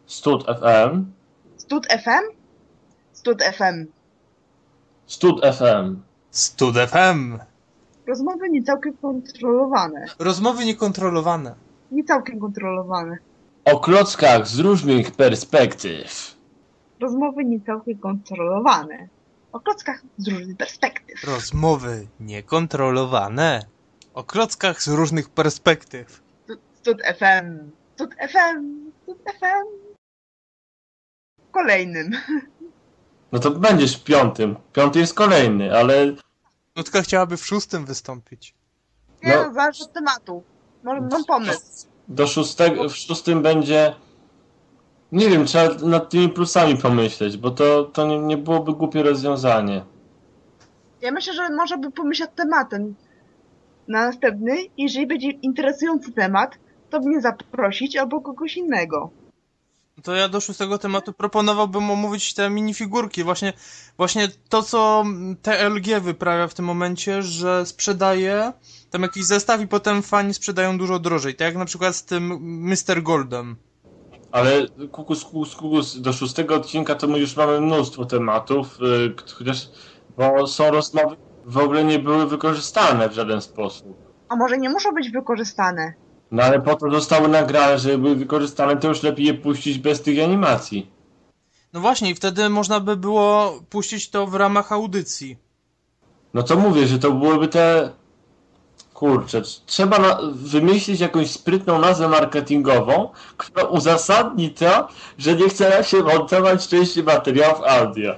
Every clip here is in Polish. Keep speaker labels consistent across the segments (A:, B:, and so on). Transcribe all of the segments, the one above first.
A: Stud FM.
B: Stud FM? Stud FM.
A: Stud FM.
C: Stud FM.
B: Rozmowy nie całkiem kontrolowane.
C: Rozmowy niekontrolowane.
B: Nie całkiem kontrolowane.
A: O klockach z różnych perspektyw.
B: Rozmowy nie całkiem kontrolowane. O klockach z różnych perspektyw.
C: Rozmowy niekontrolowane. O klockach z różnych perspektyw.
B: Stud FM. Stud FM. Stud FM. Kolejnym.
A: No to będziesz w 5. 5 jest kolejny, ale...
C: Nutka chciałaby w 6 wystąpić.
B: Nie
A: No.
B: no, zależy od tematu. Może mam pomysł.
A: W 6 będzie... Nie wiem, trzeba nad tymi plusami pomyśleć, bo to nie byłoby głupie rozwiązanie.
B: Ja myślę, że może by pomyśleć tematem na następny. Jeżeli będzie interesujący temat, to mnie zaprosić albo kogoś innego.
C: To ja do 6 tematu proponowałbym omówić te minifigurki. Właśnie to, co TLG wyprawia w tym momencie, że sprzedaje tam jakiś zestaw i potem fani sprzedają dużo drożej. Tak jak na przykład z tym Mr. Goldem.
A: Ale kukus, do 6 odcinka to my już mamy mnóstwo tematów, chociaż bo są rozmowy, w ogóle nie były wykorzystane w żaden sposób.
B: A może nie muszą być wykorzystane?
A: No ale po to zostały nagrane, żeby były wykorzystane, to już lepiej je puścić bez tych animacji.
C: No właśnie, i wtedy można by było puścić to w ramach audycji.
A: No to mówię, że to byłyby te... Kurczę, trzeba wymyślić jakąś sprytną nazwę marketingową, która uzasadni to, że nie chce nam się montować części materiałów audio.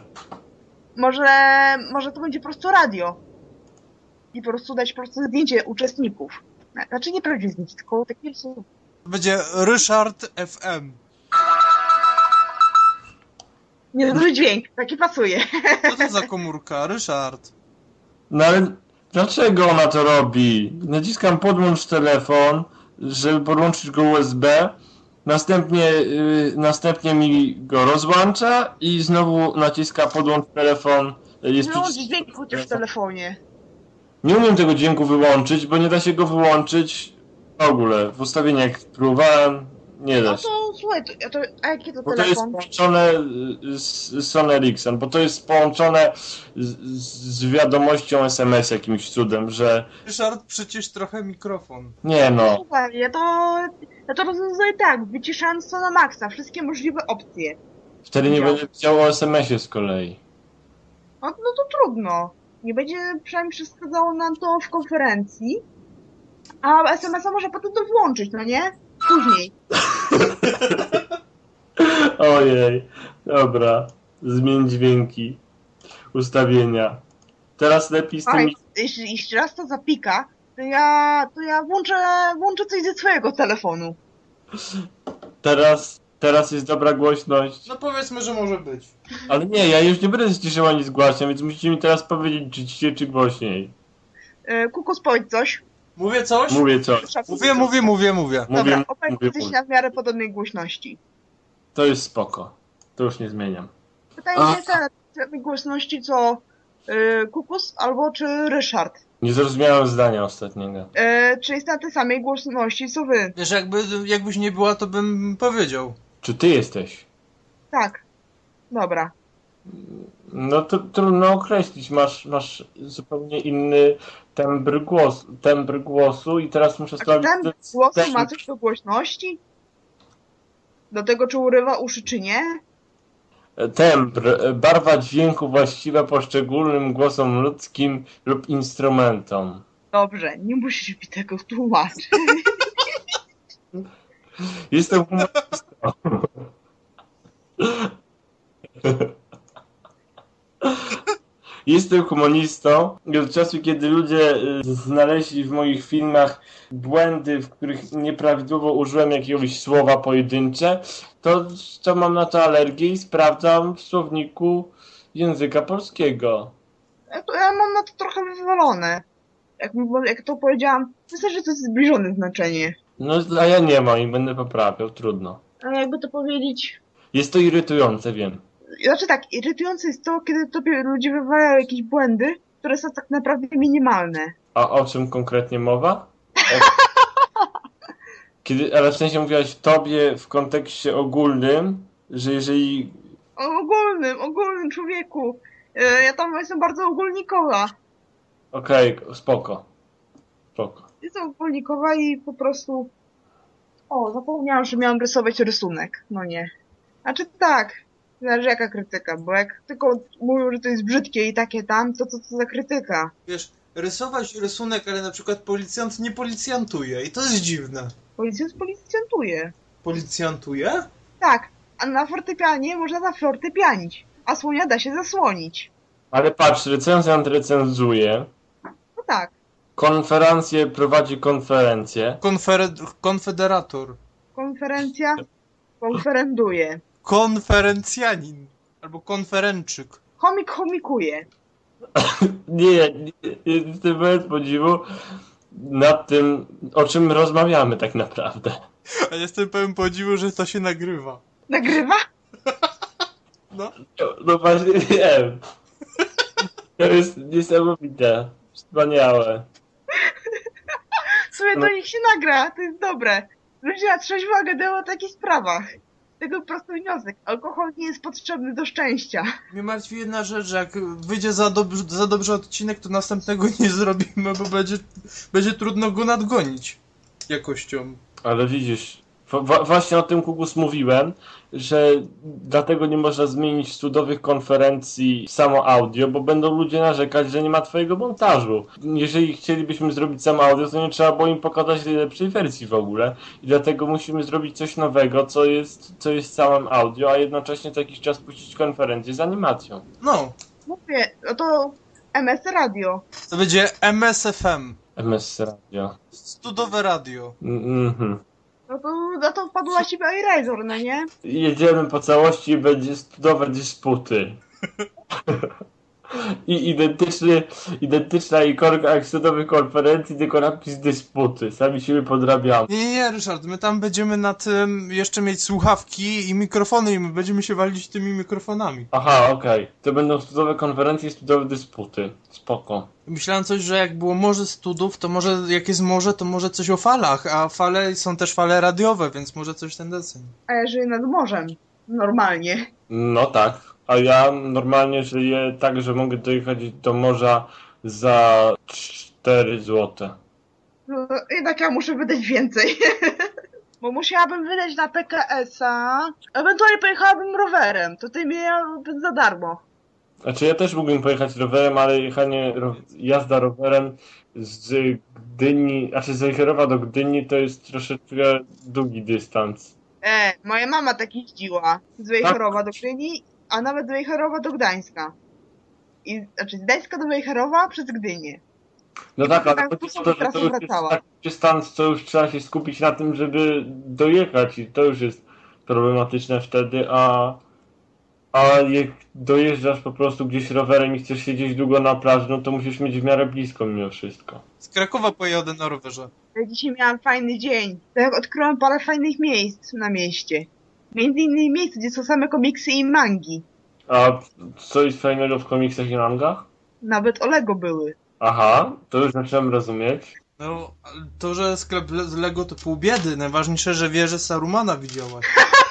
B: Może to będzie po prostu radio. I po prostu dać po prostu zdjęcie uczestników. Znaczy nie prawdziwe zdjęcie, tylko takie są.
C: Będzie Ryszard FM.
B: Nieduży dźwięk, taki pasuje.
C: Co to za komórka? Ryszard.
A: No ale dlaczego ona to robi? Naciskam podłącz telefon, żeby podłączyć go USB, następnie mi go rozłącza i znowu naciska podłącz telefon. Jest
B: Wyłącz
A: przycisk...
B: dźwięk chociaż w telefonie.
A: Nie umiem tego dźwięku wyłączyć, bo nie da się go wyłączyć w ogóle. W ustawieniach próbowałem, nie da
B: No
A: się.
B: to słuchaj, a jaki to
A: Bo to jest
B: telefon?
A: połączone z Sony Ericsson, bo to jest połączone z wiadomością SMS jakimś cudem, że
C: Ryszard, przycisz trochę mikrofon.
A: nie no.
B: Słuchaj, ja to rozwiązuję tak, wyciszając to na maksa, wszystkie możliwe opcje.
A: Wtedy nie będzie wiedział o SMS-ie z kolei.
B: No to trudno. Nie będzie przynajmniej przeszkadzało nam to w konferencji. A SMS-a może potem to włączyć, no nie? Później.
A: Ojej, dobra. Zmień dźwięki, ustawienia. Teraz lepiej z
B: Słuchaj,
A: tymi...
B: jeśli raz to zapika, to ja włączę coś ze swojego telefonu.
A: Teraz jest dobra głośność.
C: No powiedzmy, że może być.
A: Ale nie, ja już nie będę ściszył ani zgłaśniał, więc musicie mi teraz powiedzieć, czy ciszej, czy głośniej.
B: Kukus, powiedz coś.
C: Mówię coś?
A: Mówię coś.
C: Mówię.
B: Dobra, opowiem
A: mówię.
B: coś na w miarę podobnej głośności.
A: To jest spoko. To już nie zmieniam.
B: Pytanie jest tej głośności co Kukus albo czy Ryszard.
A: Nie zrozumiałem zdania ostatniego.
B: Czy jest na tej samej głośności co wy?
C: Wiesz, jakbyś nie była, to bym powiedział.
A: Czy ty jesteś?
B: Tak. Dobra.
A: No to trudno określić. Masz zupełnie inny tembr głosu i teraz muszę
B: A czy
A: sprawdzić...
B: ten głos ma coś do głośności? Do tego, czy urywa uszy, czy nie?
A: Tembr, barwa dźwięku właściwa poszczególnym głosom ludzkim lub instrumentom.
B: Dobrze, nie musisz mi tego tłumaczyć.
A: Jestem humorystą. Jestem humanistą i od czasu, kiedy ludzie znaleźli w moich filmach błędy, w których nieprawidłowo użyłem jakiegoś słowa pojedyncze, to mam na to alergię i sprawdzam w słowniku języka polskiego.
B: Ja mam na to trochę wywalone. Jak to powiedziałam, myślę, że to jest zbliżone znaczenie.
A: No, a ja nie mam i będę poprawiał, trudno.
B: Ale jakby to powiedzieć...
A: Jest to irytujące, wiem.
B: Znaczy tak, irytujące jest to, kiedy tobie ludzie wywalają jakieś błędy, które są tak naprawdę minimalne.
A: A o czym konkretnie mowa? Ale w sensie mówiłaś tobie w kontekście ogólnym, że jeżeli...
B: O ogólnym człowieku. Ja tam jestem bardzo ogólnikowa.
A: Okej, spoko. Spoko.
B: Jestem ogólnikowa i po prostu... O, zapomniałam, że miałam rysować rysunek. No nie. Znaczy tak, zależy jaka krytyka, bo jak tylko mówią, że to jest brzydkie i takie tam, to co to za krytyka?
C: Wiesz, rysować rysunek, ale na przykład policjant nie policjantuje i to jest dziwne.
B: Policjant policjantuje.
C: Policjantuje?
B: Tak, a na fortepianie można zafortepianić, a słonia da się zasłonić.
A: Ale patrz, recenzjant recenzuje,
B: No tak,
A: konferencję prowadzi konferencję.
C: Konfederator.
B: konferencja konferenduje.
C: Konferencjanin. Albo konferenczyk.
B: Chomik chomikuje.
A: Nie, jestem bez podziwu nad tym, o czym rozmawiamy tak naprawdę.
C: A jestem pełen podziwu, że to się nagrywa.
B: Nagrywa?
C: No.
A: No właśnie wiem. To jest niesamowite. Wspaniałe.
B: W sumie do nich się nagra, to jest dobre. Ludzie na trzeźwo gadają o takich sprawach. Tego prosty wniosek. Alkohol nie jest potrzebny do szczęścia.
C: Mnie martwi jedna rzecz, że jak wyjdzie za dobrze odcinek, to następnego nie zrobimy, bo będzie trudno go nadgonić jakością.
A: Ale widzisz, właśnie o tym Kugus mówiłem, że dlatego nie można zmienić studowych konferencji samo audio, bo będą ludzie narzekać, że nie ma twojego montażu. Jeżeli chcielibyśmy zrobić samo audio, to nie trzeba było im pokazać najlepszej wersji w ogóle. I dlatego musimy zrobić coś nowego, co jest całym audio, a jednocześnie co jakiś czas puścić konferencję z animacją.
C: No,
B: Mówię, no to MS Radio.
C: to będzie MSFM.
A: MS Radio.
C: Studowe radio.
A: Mhm.
B: No to wpadł na ciebie iRazor, no nie?
A: Jedziemy po całości i będzie studowe dysputy. I identyczna ikonka jak studowych konferencji, tylko napis dysputy. Sami siebie podrabiamy.
C: Nie, Ryszard, my tam będziemy na tym jeszcze mieć słuchawki i mikrofony i my będziemy się walić tymi mikrofonami.
A: Aha, okej. To będą studowe konferencje i studowe dysputy. Spoko.
C: Myślałem coś, że jak było morze studów, to może jak jest morze, to może coś o falach, a fale są też fale radiowe, więc może coś ten deseń.
B: A ja żyję nad morzem. Normalnie.
A: No tak. A ja normalnie żyję tak, że mogę dojechać do morza za 4 złote.
B: No, jednak ja muszę wydać więcej. Bo musiałabym wydać na PKS-a. Ewentualnie pojechałabym rowerem. To ty miałabym za darmo.
A: Znaczy ja też mógłbym pojechać rowerem, ale jazda rowerem z Gdyni, znaczy z Wejherowa do Gdyni to jest troszeczkę długi dystans.
B: Moja mama tak jeździła. Z Wejherowa do Gdyni, a nawet z Wejherowa do Gdańska. Znaczy z Gdańska do Wejherowa przez Gdynię.
A: No tak, ale
B: tak,
A: chodzi o to, że
B: trasa
A: to już jest
B: wracała.
A: taki dystans, co już trzeba się skupić na tym, żeby dojechać i to już jest problematyczne wtedy, a jak dojeżdżasz po prostu gdzieś rowerem i chcesz siedzieć długo na plaży, no to musisz mieć w miarę blisko mimo wszystko.
C: Z Krakowa pojadę na rowerze.
B: Ja dzisiaj miałam fajny dzień. Tak odkryłam parę fajnych miejsc na mieście. Między innymi miejsce, gdzie są same komiksy i mangi.
A: A co jest fajnego w komiksach i mangach?
B: Nawet o Lego były.
A: Aha, to już zacząłem rozumieć.
C: No, ale to, że sklep z Lego to pół biedy. Najważniejsze, że wieżę Sarumana widziałaś.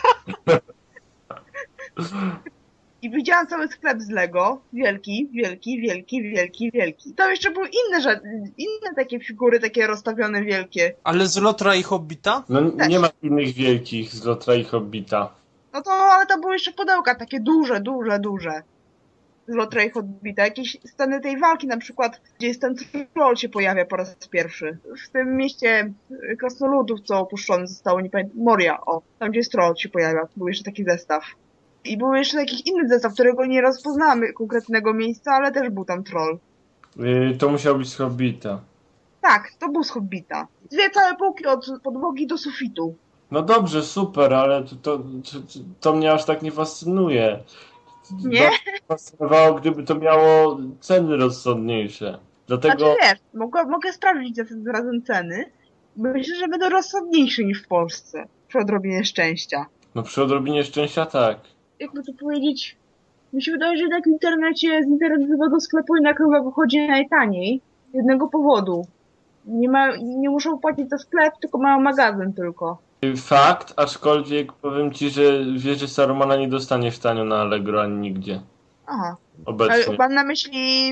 B: I widziałam cały sklep z Lego. Wielki, wielki, wielki, wielki, wielki. Tam jeszcze były inne takie figury, takie rozstawione wielkie.
C: Ale z Lotra i Hobbita?
A: No
B: Też.
A: nie ma innych wielkich z Lotra i Hobbita.
B: No to, ale tam były jeszcze pudełka, takie duże, duże, duże. Z Lotra i Hobbita. Jakieś sceny tej walki na przykład, gdzie jest ten troll się pojawia po raz pierwszy. W tym mieście krasnoludów, co opuszczone zostało, nie pamiętam, Moria, o. Tam gdzie jest troll się pojawia. Był jeszcze taki zestaw. I był jeszcze jakiś inny zestaw, którego nie rozpoznamy konkretnego miejsca, ale też był tam troll.
A: To musiał być z Hobbita.
B: Tak, to był z Hobbita. Dwie całe półki od podłogi do sufitu.
A: No dobrze, super, ale to mnie aż tak nie fascynuje.
B: Nie?
A: Bardziej fascynowało, gdyby to miało ceny rozsądniejsze. Dlatego...
B: Znaczy wiesz, mogę sprawdzić razem ceny. Myślę, że będą rozsądniejsze niż w Polsce. Przy odrobinie szczęścia.
A: No przy odrobinie szczęścia tak.
B: Jakby to powiedzieć, mi się wydaje, że tak w internecie, z internetowego sklepu jednak chyba wychodzi najtaniej. Z jednego powodu. Nie muszą płacić za sklep, tylko mają magazyn tylko.
A: Fakt, aczkolwiek powiem ci, że wieży Sarumana nie dostaniesz tanio na Allegro ani nigdzie.
B: Aha.
A: Obecnie.
B: Ale mam na myśli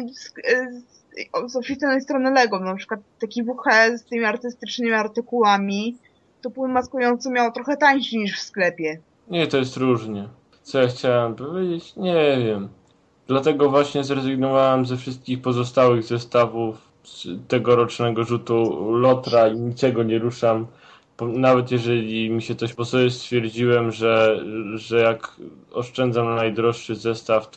B: z oficjalnej strony Lego, na przykład taki WH z tymi artystycznymi artykułami, to płyn maskujący miał trochę tańszy niż w sklepie.
A: Nie, to jest różnie. Co ja chciałem powiedzieć? Nie wiem. Dlatego właśnie zrezygnowałem ze wszystkich pozostałych zestawów z tegorocznego rzutu Lotra i niczego nie ruszam. Nawet jeżeli mi się coś, bo sobie stwierdziłem, że jak oszczędzam na najdroższy zestaw,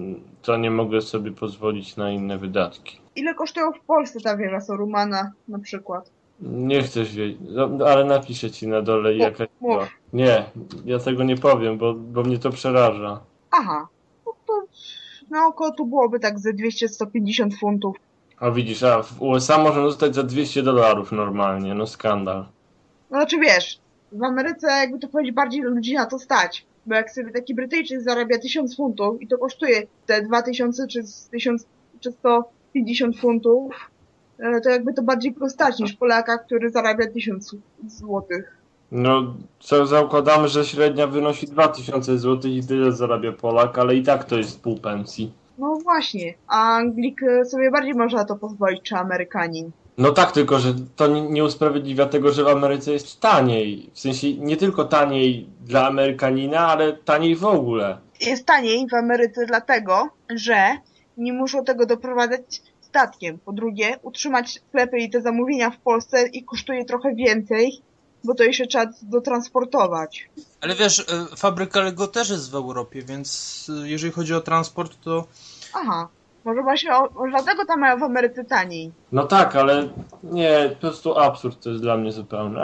A: to nie mogę sobie pozwolić na inne wydatki.
B: Ile kosztują w Polsce ta wieża Sarumana na przykład?
A: Nie chcesz wiedzieć, no, ale napiszę ci na dole jaka
B: mów.
A: była. Nie, ja tego nie powiem, bo mnie to przeraża.
B: Aha. No to na oko tu byłoby tak ze 200-150 funtów.
A: A widzisz, w USA można dostać za $200 normalnie, no skandal.
B: No znaczy wiesz, w Ameryce jakby to powiedzieć bardziej ludzi na to stać. Bo jak sobie taki Brytyjczyk zarabia 1000 funtów i to kosztuje te 2000 czy 1000 czy 150 funtów, to jakby to bardziej go stać niż Polaka, który zarabia 1000 złotych.
A: No, co zakładamy, że średnia wynosi 2000 zł i tyle zarabia Polak, ale i tak to jest pół pensji.
B: No właśnie, a Anglik sobie bardziej może na to pozwolić, czy Amerykanin.
A: No tak, tylko że to nie usprawiedliwia tego, że w Ameryce jest taniej. W sensie nie tylko taniej dla Amerykanina, ale taniej w ogóle.
B: Jest taniej w Ameryce dlatego, że nie muszą tego doprowadzać statkiem. Po drugie, utrzymać sklepy i te zamówienia w Polsce i kosztuje trochę więcej, bo to jeszcze trzeba dotransportować.
C: Ale wiesz, fabryka Lego też jest w Europie, więc jeżeli chodzi o transport, to...
B: Aha, może właśnie może dlatego tam mają w Ameryce taniej.
A: No tak, ale nie, po prostu absurd to jest dla mnie zupełny,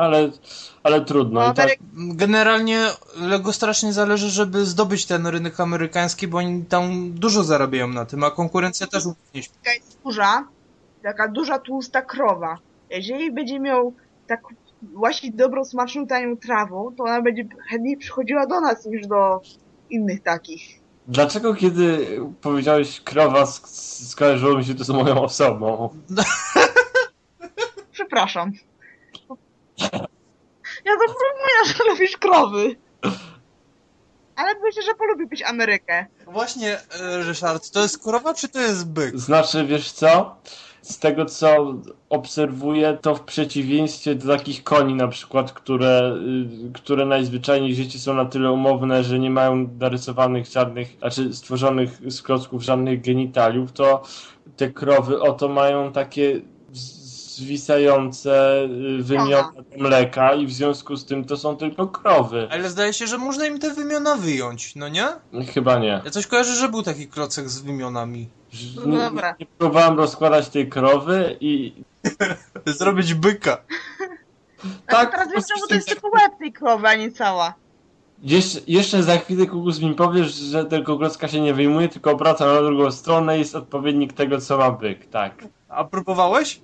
A: ale trudno.
B: No,
A: I tak,
C: Generalnie Lego strasznie zależy, żeby zdobyć ten rynek amerykański, bo oni tam dużo zarabiają na tym, a konkurencja też nie śpi.
B: Taka jest duża, taka duża, tłusta krowa. Jeżeli będzie miał tak właśnie dobrą, smaczną, tanią trawą, to ona będzie chętniej przychodziła do nas niż do innych takich.
A: dlaczego kiedy powiedziałeś krowa, skojarzyło mi się to z moją osobą?
B: Przepraszam. Ja zapomniałam, że lubisz krowy. Ale myślę, że polubiłbyś Amerykę.
C: Właśnie, Ryszard, to jest krowa czy to jest byk?
A: Znaczy, wiesz co? Z tego co obserwuję, to w przeciwieństwie do takich koni na przykład, które najzwyczajniej w życiu są na tyle umowne, że nie mają narysowanych żadnych, znaczy stworzonych z klocków żadnych genitaliów, to te krowy oto mają takie zwisające wymiony mleka i w związku z tym to są tylko krowy.
C: Ale zdaje się, że można im te wymiona wyjąć, no nie?
A: Chyba nie.
C: Ja coś kojarzę, że był taki klocek z wymionami.
B: No dobra.
A: Nie próbowałem rozkładać tej krowy i
C: Zrobić byka.
B: Tak, teraz wiesz, czemu to jest tylko łeb tej krowy, a nie cała.
A: Jeszcze za chwilę, Kukus, mi powiesz, że tego klocka się nie wyjmuje, tylko obraca na drugą stronę i jest odpowiednik tego, co ma byk, tak.
C: A próbowałeś?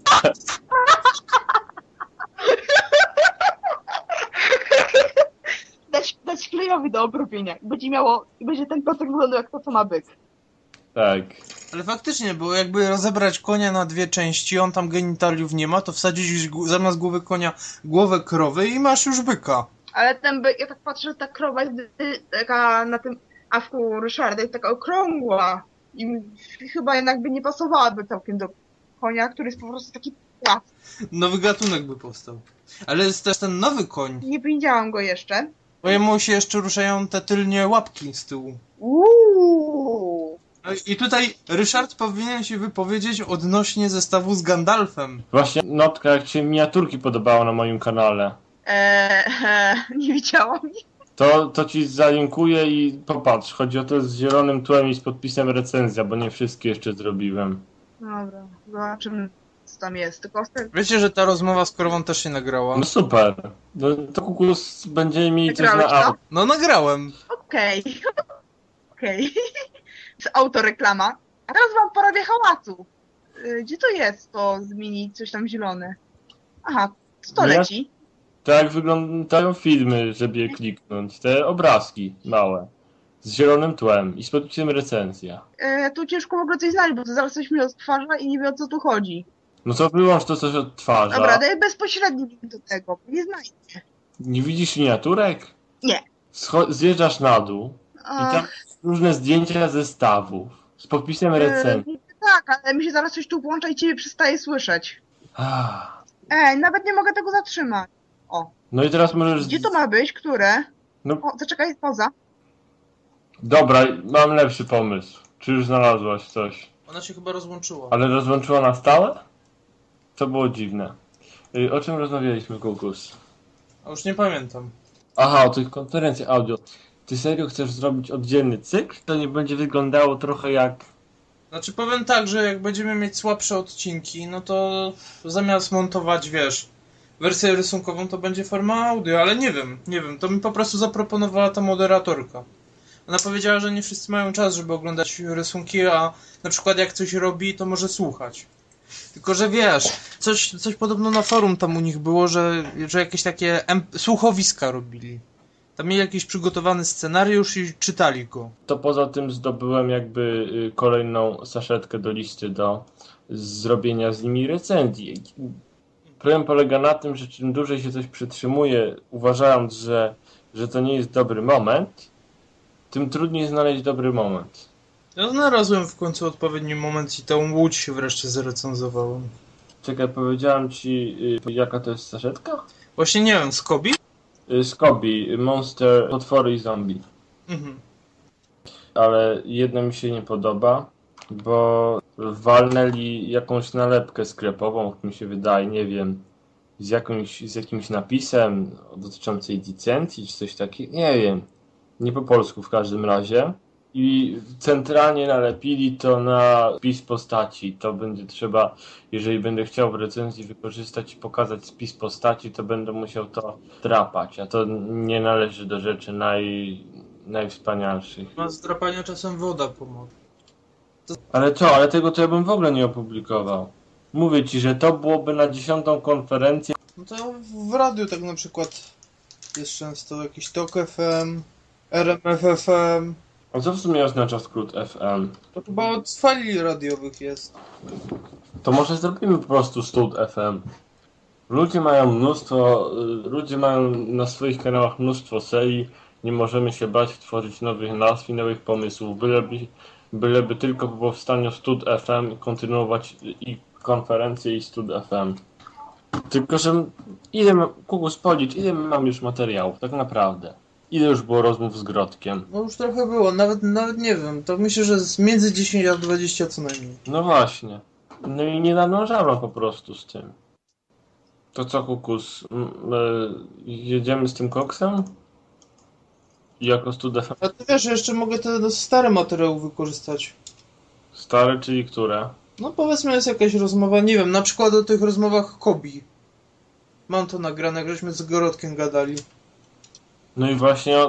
B: Dać klejowi do obrobienia. I będzie ten klocek wyglądał jak to, co ma byk.
A: Tak.
C: Ale faktycznie, bo jakby rozebrać konia na dwie części, on tam genitaliów nie ma, to wsadzić zamiast głowy konia głowę krowy i masz już byka.
B: Ale ten byk, ja tak patrzę, że ta krowa jest taka na tym awku Ryszarda jest taka okrągła. I chyba jednak by nie pasowałaby całkiem do konia, który jest po prostu taki płaski.
C: Nowy gatunek by powstał. Ale jest też ten nowy koń.
B: Nie widziałam go jeszcze.
C: Bo jemu się jeszcze ruszają te tylnie łapki z tyłu.
B: Uuu.
C: No i tutaj Ryszard powinien się wypowiedzieć odnośnie zestawu z Gandalfem.
A: Właśnie notka, jak się miniaturki podobało na moim kanale.
B: Nie widziałam.
A: To ci zalinkuję i popatrz. Chodzi o to z zielonym tłem i z podpisem recenzja, bo nie wszystkie jeszcze zrobiłem.
B: Dobra, zobaczymy co tam jest. Tylko
C: Wiecie, że ta rozmowa z krową też się nagrała?
A: No super. No, to Kukus będziemy mieli coś na
B: Nagrałeś to?
A: auto.
C: No nagrałem.
B: Okej. Okej. Z autoreklama. A teraz wam porobię hałasu. Gdzie to jest to zmienić coś tam zielone? Aha, co
A: No ja-
B: leci?
A: Tak jak wyglądają filmy, żeby je kliknąć. Te obrazki małe. Z zielonym tłem i z podpisem recenzja.
B: Tu ciężko w ogóle coś znaleźć, bo to zaraz coś mi odtwarza i nie wiem o co tu chodzi.
A: No to wyłącz to, co się odtwarza.
B: Dobra, daj bezpośredni link do tego, bo nie znajdę.
A: Nie widzisz miniaturek?
B: Nie.
A: Zjeżdżasz na dół i tam
B: Ach,
A: różne zdjęcia zestawów z podpisem recenzji.
B: tak, ale mi się zaraz coś tu włącza i ciebie przestaje słyszeć.
A: Ah.
B: Ej, nawet nie mogę tego zatrzymać. O,
A: No i teraz możesz...
B: gdzie to ma być? Które?
A: No
B: O, zaczekaj, pauza.
A: dobra, mam lepszy pomysł. Czy już znalazłaś coś?
C: Ona się chyba rozłączyła.
A: Ale rozłączyła na stałe? To było dziwne. O czym rozmawialiśmy, Kukus?
C: A już nie pamiętam.
A: Aha, o tych konferencjach audio. Ty serio chcesz zrobić oddzielny cykl? To nie będzie wyglądało trochę jak...
C: Znaczy powiem tak, że jak będziemy mieć słabsze odcinki, no to zamiast montować, wiesz, wersję rysunkową, to będzie forma audio, ale nie wiem, to mi po prostu zaproponowała ta moderatorka. Ona powiedziała, że nie wszyscy mają czas, żeby oglądać rysunki, a na przykład jak coś robi, to może słuchać. Tylko, że wiesz, coś podobno na forum tam u nich było, że jakieś takie słuchowiska robili. Tam mieli jakiś przygotowany scenariusz i czytali go.
A: To poza tym zdobyłem jakby kolejną saszetkę do listy do zrobienia z nimi recenzji. Problem polega na tym, że czym dłużej się coś przytrzymuje, uważając, że to nie jest dobry moment, tym trudniej znaleźć dobry moment.
C: Ja znalazłem w końcu odpowiedni moment i tą łódź się wreszcie zrecenzowałem.
A: Czekaj, powiedziałem ci, jaka to jest saszetka?
C: Właśnie nie wiem, Skobi?
A: Skobi, Monster, Potwory i Zombie.
C: Mhm.
A: Ale jedno mi się nie podoba, bo walnęli jakąś nalepkę sklepową, jak mi się wydaje, nie wiem, z jakimś napisem dotyczącej licencji czy coś takiego, nie wiem, nie po polsku w każdym razie. I centralnie nalepili to na spis postaci. To będzie trzeba, jeżeli będę chciał w recenzji wykorzystać i pokazać spis postaci, to będę musiał to drapać, a to nie należy do rzeczy najwspanialszych.
C: Ma z drapania czasem woda pomoże.
A: Ale co? Ale tego to ja bym w ogóle nie opublikował. Mówię ci, że to byłoby na 10. konferencję.
C: No to w radiu tak na przykład jest często jakiś TOK FM, RMF FM.
A: A co w sumie oznacza skrót FM?
C: To chyba od fali radiowych jest.
A: To może zrobimy po prostu stud FM. Ludzie mają na swoich kanałach mnóstwo serii. Nie możemy się bać tworzyć nowych nazw i nowych pomysłów. Byleby tylko po powstaniu stud FM kontynuować i konferencje i stud FM. Tylko, że Kukus, policz, ile mam już materiałów, tak naprawdę. Ile już było rozmów z Grodkiem?
C: No już trochę było, nawet nie wiem. To myślę, że z między 10 a 20 co najmniej.
A: No właśnie. No i nie nadążałem po prostu z tym. To co, Kukus? Jedziemy z tym koksem? I jako stud FM?
C: A ty wiesz, jeszcze mogę te stare materiały wykorzystać.
A: Stare, czyli które?
C: No powiedzmy jest jakaś rozmowa, nie wiem, na przykład o tych rozmowach Kobi. Mam to nagrane, jak żeśmy z Gorodkiem gadali.
A: No i właśnie,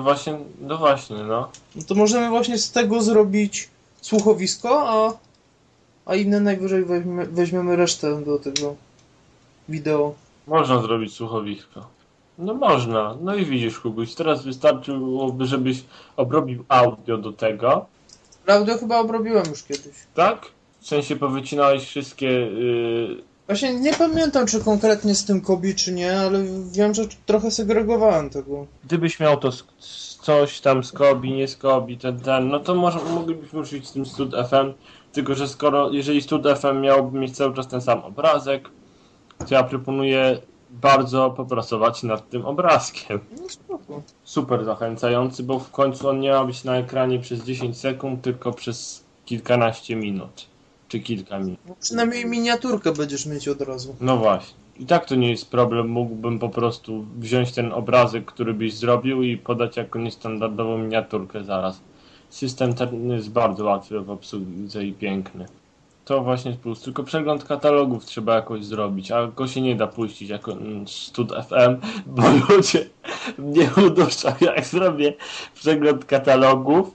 A: no.
C: No to możemy właśnie z tego zrobić słuchowisko, a inne najwyżej weźmiemy resztę do tego wideo.
A: Można zrobić słuchowisko. No można. No i widzisz, Kubuś, teraz wystarczyłoby, żebyś obrobił audio do tego.
C: Audio chyba obrobiłem już kiedyś.
A: Tak? W sensie powycinałeś wszystkie...
C: Właśnie nie pamiętam, czy konkretnie z tym Kobi, czy nie, ale wiem, że trochę segregowałem tego.
A: Gdybyś miał to coś tam z Kobi, nie z Kobi, no to może moglibyśmy użyć z tym Stud FM. Tylko, że jeżeli Stud FM miałby mieć cały czas ten sam obrazek, to ja proponuję bardzo popracować nad tym obrazkiem.
C: No spoko.
A: Super zachęcający, bo w końcu on nie ma być na ekranie przez 10 sekund, tylko przez kilkanaście minut. Czy kilka minut.
C: No, przynajmniej miniaturkę będziesz mieć od razu.
A: No właśnie. I tak to nie jest problem. Mógłbym po prostu wziąć ten obrazek, który byś zrobił i podać jako niestandardową miniaturkę zaraz. System ten jest bardzo łatwy w obsłudze i piękny. To właśnie jest plus. Tylko przegląd katalogów trzeba jakoś zrobić, a go się nie da puścić jako Stud FM, bo ludzie mnie uduszą, jak zrobię przegląd katalogów,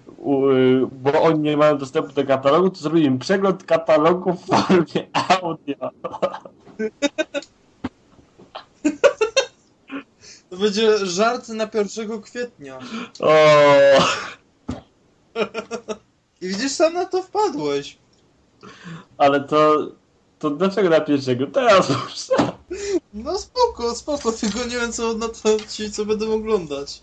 A: bo oni nie mają dostępu do katalogu, to zrobię im przegląd katalogu w formie audio.
C: To będzie żart na 1 kwietnia.
A: O,
C: I widzisz, sam na to wpadłeś.
A: ale to To dlaczego na pierwszego? Teraz puszczę.
C: No spoko, tylko nie wiem co na to ci, co będą oglądać.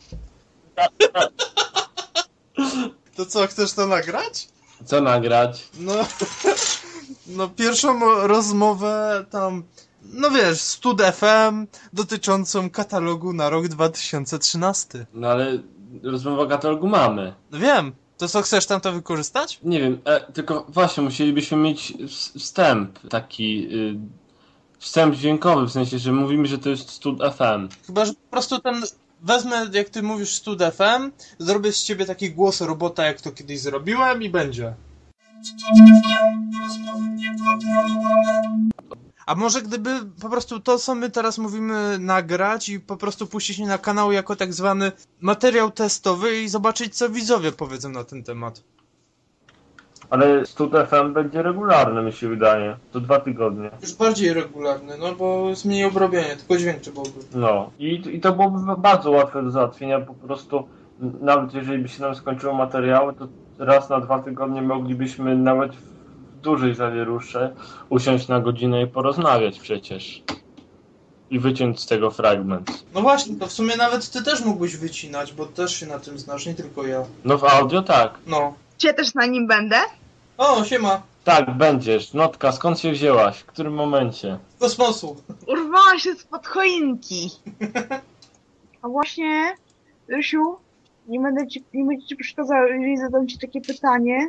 C: To co, chcesz to nagrać?
A: Co nagrać?
C: No pierwszą rozmowę tam, no wiesz, Stud FM dotyczącą katalogu na rok 2013.
A: No ale rozmowę o katalogu mamy.
C: No wiem, to co, chcesz tam to wykorzystać?
A: Nie wiem, tylko właśnie musielibyśmy mieć wstęp taki... wstęp dźwiękowy, w sensie, że mówimy, że to jest Stud FM.
C: Chyba, że po prostu wezmę, jak ty mówisz Stud FM, zrobię z ciebie taki głos robota, jak to kiedyś zrobiłem i będzie. A może gdyby po prostu to, co my teraz mówimy, nagrać i po prostu puścić na kanał jako tak zwany materiał testowy i zobaczyć, co widzowie powiedzą na ten temat.
A: Ale Stud FM będzie regularny, mi się wydaje. To 2 tygodnie.
C: Już bardziej regularny, no bo jest mniej obrobienia, tylko dźwięk trzeba byłoby.
A: No. I to byłoby bardzo łatwe do załatwienia. Po prostu, nawet jeżeli by się nam skończyły materiały, to raz na 2 tygodnie moglibyśmy nawet w dużej zawierusze usiąść na godzinę i porozmawiać przecież. I wyciąć z tego fragment.
C: No właśnie, to w sumie nawet ty też mógłbyś wycinać, bo też się na tym znasz, nie tylko ja.
A: No w audio tak.
C: No.
B: Cię też na nim będę?
C: O, siema.
A: Tak, będziesz. Notka, skąd się wzięłaś? W którym momencie?
C: Z kosmosu.
B: Urwała się spod choinki. A właśnie, Rysiu, nie będę ci przeszkadzał, jeżeli zadam ci takie pytanie.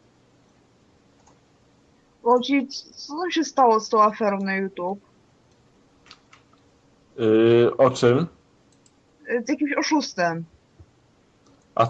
B: Bo co tam się stało z tą aferą na YouTube?
A: O czym?
B: Z jakimś oszustem.
A: A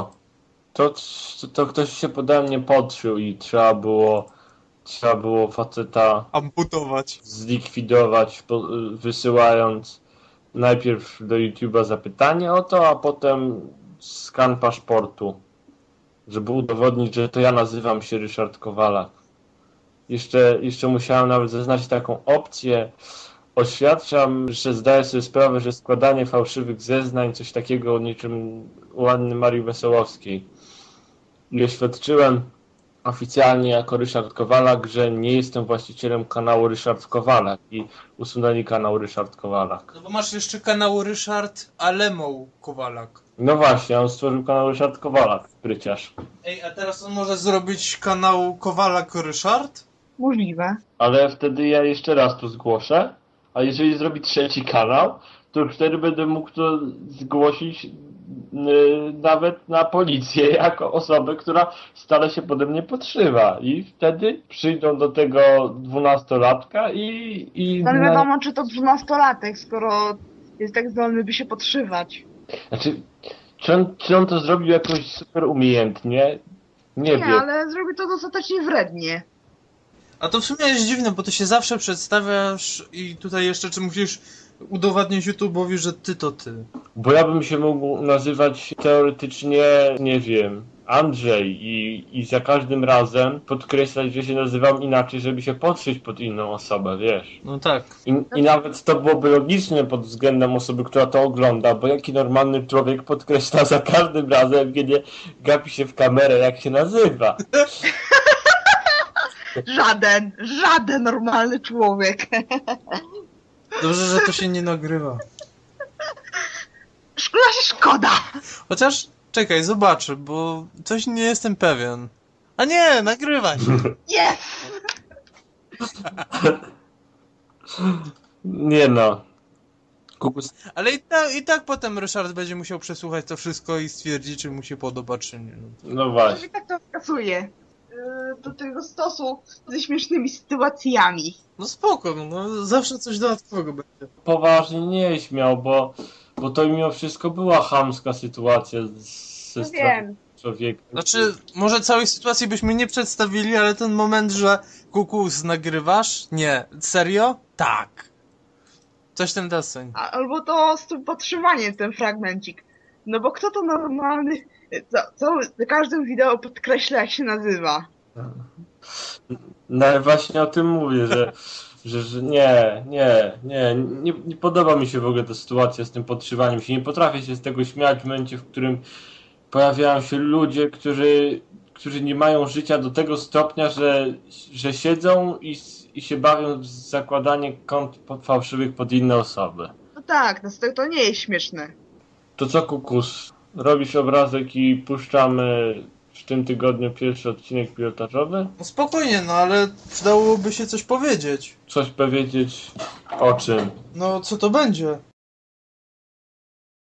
A: to ktoś się pode mnie podszył i trzeba było faceta
C: Amputować.
A: zlikwidować, wysyłając najpierw do YouTube'a zapytanie o to, a potem skan paszportu, żeby udowodnić, że to ja nazywam się Ryszard Kowalak. Jeszcze musiałem nawet zaznaczyć taką opcję. Oświadczam, że zdaję sobie sprawę, że składanie fałszywych zeznań, coś takiego niczym u Anny Marii Wesołowskiej. I oświadczyłem oficjalnie jako Ryszard Kowalak, że nie jestem właścicielem kanału Ryszard Kowalak i usunęli kanał Ryszard Kowalak.
C: No bo masz jeszcze kanał Ryszard Alemoł Kowalak.
A: No właśnie, on stworzył kanał Ryszard Kowalak, spryciarz.
C: Ej, a teraz on może zrobić kanał Kowalak Ryszard?
B: Możliwe.
A: Ale wtedy ja jeszcze raz to zgłoszę, a jeżeli zrobi trzeci kanał, to już wtedy będę mógł to zgłosić nawet na policję jako osobę, która stale się pode mnie podszywa. I wtedy przyjdą do tego 12-latka i
B: No nie wiadomo, czy to 12-latek, skoro jest tak zdolny, by się podszywać.
A: Znaczy, czy on to zrobił jakoś super umiejętnie? Nie wiem.
B: Ale zrobi to dostatecznie wrednie.
C: A to w sumie jest dziwne, bo ty się zawsze przedstawiasz i tutaj jeszcze czy musisz udowadniać YouTube'owi, że ty to ty.
A: Bo ja bym się mógł nazywać teoretycznie, nie wiem, Andrzej i za każdym razem podkreślać, że się nazywam inaczej, żeby się podszyć pod inną osobę, wiesz.
C: No tak.
A: I nawet to byłoby logiczne pod względem osoby, która to ogląda, bo jaki normalny człowiek podkreśla za każdym razem, kiedy gapi się w kamerę, jak się nazywa.
B: Żaden normalny człowiek.
C: Dobrze, że to się nie nagrywa.
B: Szkoda.
C: Chociaż, czekaj, zobaczę, bo coś nie jestem pewien. A nie, nagrywaj.
B: Yes!
A: Nie no. Kukus.
C: Ale i tak potem Ryszard będzie musiał przesłuchać to wszystko i stwierdzić, czy mu się podoba, czy nie.
A: No właśnie.
B: I tak to wskazuje. Do tego stosu ze śmiesznymi sytuacjami.
C: No spoko, no zawsze coś dodatkowego będzie.
A: Poważnie nie śmiał, bo to mimo wszystko była chamska sytuacja ze strony człowieka.
C: Znaczy, może całej sytuacji byśmy nie przedstawili, ale ten moment, że Kukus, nagrywasz? Nie. Serio? Tak. Coś ten deseń.
B: Albo to z tym podtrzymaniem, ten fragmencik. No bo kto to normalny, za każdym wideo podkreśla, jak się nazywa.
A: No właśnie o tym mówię, że nie podoba mi się w ogóle ta sytuacja z tym podszywaniem się. Nie potrafię się z tego śmiać w momencie, w którym pojawiają się ludzie, którzy nie mają życia do tego stopnia, że siedzą i się bawią w zakładanie kont fałszywych pod inne osoby.
B: No tak, to nie jest śmieszne.
A: To co, Kukus? Robisz obrazek i puszczamy w tym tygodniu pierwszy odcinek pilotażowy?
C: No spokojnie, no ale przydałoby się coś powiedzieć.
A: Coś powiedzieć o czym?
C: No co to będzie?